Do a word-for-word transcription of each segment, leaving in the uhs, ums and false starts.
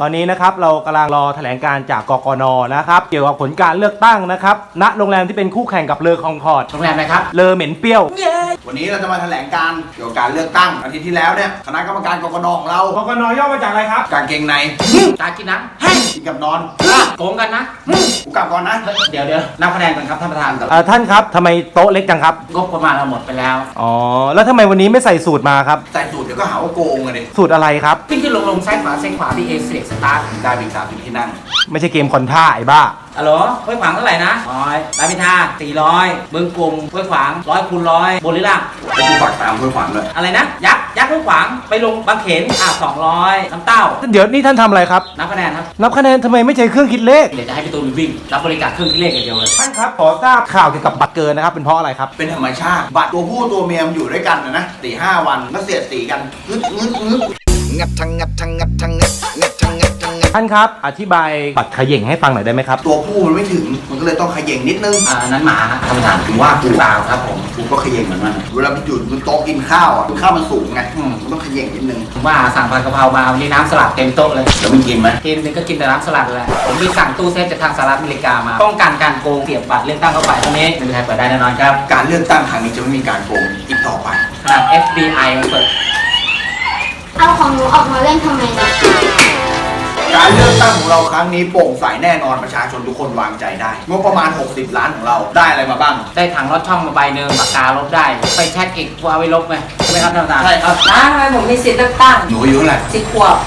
ตอนนี้นะครับเรากำลังรอแถลงการจากกกน.นะครับเกี่ยวกับผลการเลือกตั้งนะครับณโรงแรมที่เป็นคู่แข่งกับเลอคองคอร์ดโรงแรมอะไรครับเลอเหม็นเปรี้ยววันนี้เราจะมาแถลงการเกี่ยวกับการเลือกตั้งอาทิตย์ที่แล้วเนี่ยคณะกรรมการกกน.ของเรากกน.ย่อมาจากอะไรครับกางเกงในตากินน้ำกินกับนอนโกงกันนะกูกลับก่อนนะเดี๋ยวเดี๋ยวนับคะแนนก่อนครับท่านประธานเอ่อท่านครับทำไมโต๊ะเล็กจังครับงบประมาณเราหมดไปแล้วอ๋อแล้วทำไมวันนี้ไม่ใส่สูตรมาครับใส่สูตรเดี๋ยวก็หาว่าโกงกันดิสูตรอะไรครับขึ้นขึ้นลงลงซ้ายขวาซ้ายขวาที่เอเซียสตาร์ทได้เป็นสามสิบที่นั่งไม่ใช่เกมคอนท่าไอ้บ้าฮัลโหลห้วยขวางเท่าไหร่นะร้อยรามอินทราสี่ร้อยเมืองกรุงห้วยขวางร้อยคูณร้อยบนหรือล่างไปกูฝากตามเพื่อฝันเลยอะไรนะยักษ์ยักษ์ห้วยขวางไปลงบางเขนอ่ะสองร้อยน้ำเต้าเดี๋ยวนี่ท่านทำอะไรครับนับคะแนนครับนับคะแนนทำไมไม่ใช้เครื่องคิดเลขเดี๋ยวจะให้พี่ตูนวิ่งรับบริการเครื่องคิดเลขอย่างเดียวเลยท่านครับขอทราบข่าวเกี่ยวกับบัตรเกินนะครับเป็นเพราะอะไรครับเป็นธรรมชาติบัตรตัวผู้ตัวเมียมันอยู่ด้วยกันนะนะสี่ห้าวันก็เสียดสีกันงึดงึดงึดงัดทังงัดทังงัดทังงัดงัดทังงัดทังงัดท่านครับอธิบายบัตรเขย่งให้ฟังหน่อยได้ไหมครับตัวผู้มันไม่ถึงมันก็เลยต้องขย่งนิดนึงอ่านั้นหมาฮะท่านประธานถึงว่ากูเปล่าครับผมกูก็ขย่งเหมือนมันเวลาไปอยู่บนโต๊ะกินข้าวอ่ะข้าวมันสูงไงอืมมันต้องขย่งนิดนึงผมว่าสั่งผัดกะเพรามาวันนี้น้ำสลัดเต็มโต๊ะเลยแล้วมึงกินไหมกินนึงก็กินแต่น้ำสลัดแหละผมมีสั่งตู้เซฟจากทางสหรัฐอเมริกามาป้องกันการโกงเสียบบัตรเลือกตั้งเข้าไปตรงนี้ไม่มีใครเปิดได้แน่นอนครับการเลือกตั้งครั้งนี้จะไม่มีการโกงอีกต่อไปขนาด เอฟ บี ไอ มันเปิดเอาของหนูออกมาเล่นทำไมเนี่ยการเลือกตั้งของเราครั้งนี้โปร่งใสแน่นอนประชาชนทุกคนวางใจได้งบประมาณหกสิบล้านของเราได้อะไรมาบ้างได้ถังรถช่องมาใบหนึ่งปากกาลบได้ ไปแช็กอีกกูเอาไว้ลบไหมใช่ไหมครับท่านประธานใช่ครับนะทำไมผมมีสิทธิ์เลือกตั้งหนูอายุเท่าไหร่สิบขวบ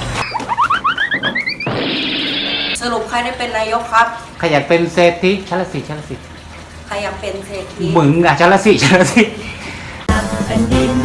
สรุปใครได้เป็นนายกครับใครอยากเป็นเศรษฐีชั้นละสี่ชั้นละสี่ใครอยากเป็นเศรษฐีมึงอ่ะชั้นละสี่ชั้นละสี่แผ่นดิน